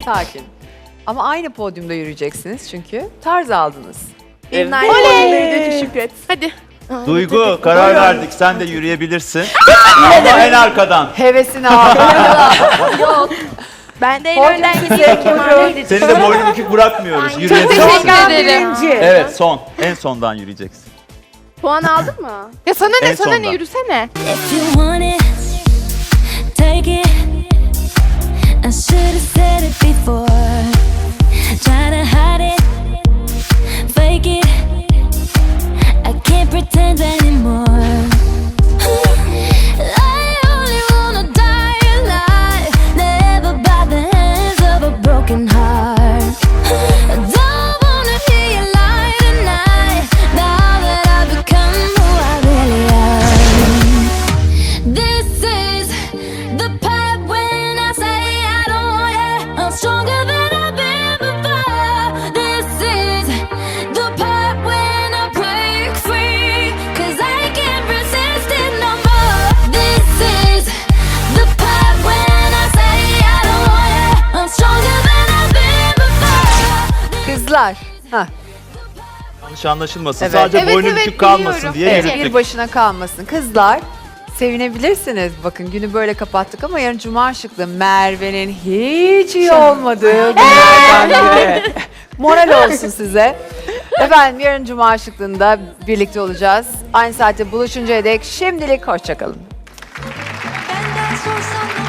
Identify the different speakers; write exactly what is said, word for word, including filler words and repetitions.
Speaker 1: Sakin. Ama aynı podyumda yürüyeceksiniz çünkü tarz aldınız.
Speaker 2: Evet.
Speaker 3: Aynı boyundaydı Şükret.
Speaker 2: Hadi.
Speaker 4: Duygu karar verdik. Sen de yürüyebilirsin. Ama en arkadan.
Speaker 1: Hevesini al.
Speaker 3: Ben de en
Speaker 1: Podyum
Speaker 3: önden
Speaker 1: size
Speaker 3: gideyim Kemal Bey.
Speaker 4: Seni de boynun bükük bırakmıyoruz.
Speaker 2: Teşekkür
Speaker 4: Yürüyebilirsin.
Speaker 2: ederim.
Speaker 4: Evet son. En sondan yürüyeceksin.
Speaker 3: Puan aldın mı?
Speaker 2: Ya sana ne
Speaker 4: En
Speaker 2: sana ne
Speaker 4: sonda.
Speaker 2: yürüsene.
Speaker 5: If you want it, take it. I should have said it before. Try to hide it, fake it. I can't pretend anymore. I only wanna die alive, never by the hands of a broken heart. I don't wanna hear you lie tonight, now that I've become who I really am. This is the part when I say I don't want it. I'm stronger than I've been before. This is the part when I break free, 'cause I can't resist it no more. This is the part when I say I don't want it. I'm stronger than I've been before.
Speaker 1: Kızlar. Hah.
Speaker 4: Yanlış anlaşılmasın.
Speaker 1: Evet.
Speaker 4: Sadece
Speaker 2: Evet,
Speaker 4: boynu
Speaker 2: evet,
Speaker 4: bükük kalmasın
Speaker 2: biliyorum.
Speaker 4: diye
Speaker 1: Evet,
Speaker 4: yürüttük.
Speaker 1: bir başına kalmasın. Kızlar sevinebilirsiniz. Bakın günü böyle kapattık ama yarın cuma şıklı Merve'nin hiç iyi olmadığı günlerden biri. Moral olsun size. Efendim yarın cuma şıklığında birlikte olacağız. Aynı saatte buluşuncaya dek şimdilik hoşçakalın.
Speaker 5: Benden sorsam